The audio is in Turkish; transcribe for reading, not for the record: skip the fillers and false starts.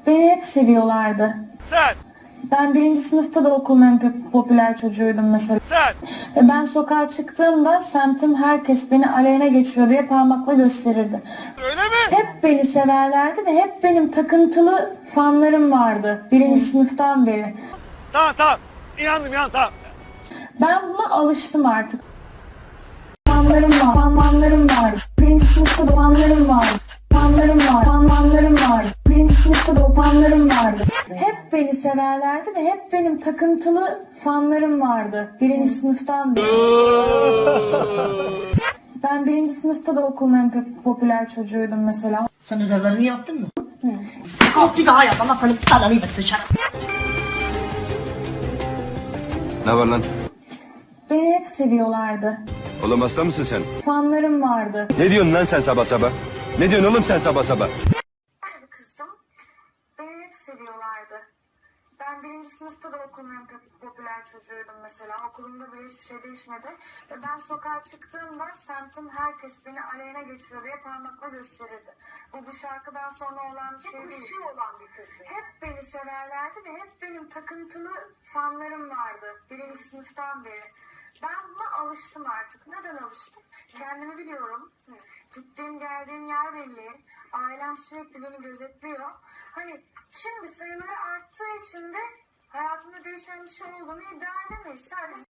Beni hep seviyorlardı. Sen! Ben birinci sınıfta da okulun en popüler çocuğuydum mesela. Sen! Ve ben sokağa çıktığımda semtim herkes beni aleyhine geçiyor diye parmakla gösterirdi. Öyle mi? Hep beni severlerdi ve hep benim takıntılı fanlarım vardı birinci sınıftan beri. Tamam. İnandım tamam. Ben buna alıştım artık. Fanlarım var. Birinci sınıfta da fanlarım var. Fanlarım var. Birinci sınıfta da o fanlarım vardı. Hep beni severlerdi ve hep benim takıntılı fanlarım vardı birinci sınıftan beri. Ben birinci sınıfta da okulun en popüler çocuğuydum mesela. Sen ödevlerini yaptın mı? Al bir daha yap ama senin belanı versin şerefsiz. Ne var lan? Beni hep seviyorlardı. Oğlum hasta mısın sen? Fanlarım vardı. Ne diyorsun lan sen sabah sabah? Ne diyorsun oğlum sen sabah sabah? Kızım, beni hep seviyorlardı. Ben birinci sınıfta da okulun en popüler çocuğuydum mesela. Okulumda bile hiçbir şey değişmedi. Ve ben sokağa çıktığımda semtim herkes beni aleyhine geçiyor diye parmakla gösterirdi. Bu şarkıdan sonra olan bir şey değil. Olan bir kız. Hep beni severlerdi ve hep benim takıntılı fanlarım vardı birinci sınıftan beri. Ben buna alıştım artık. Neden alıştım? Kendimi biliyorum. Gittiğim geldiğim yer belli. Ailem sürekli beni gözetliyor. Hani şimdi sayıları arttığı için de hayatımda değişen bir şey olduğunu iddia edemeyiz. Sadece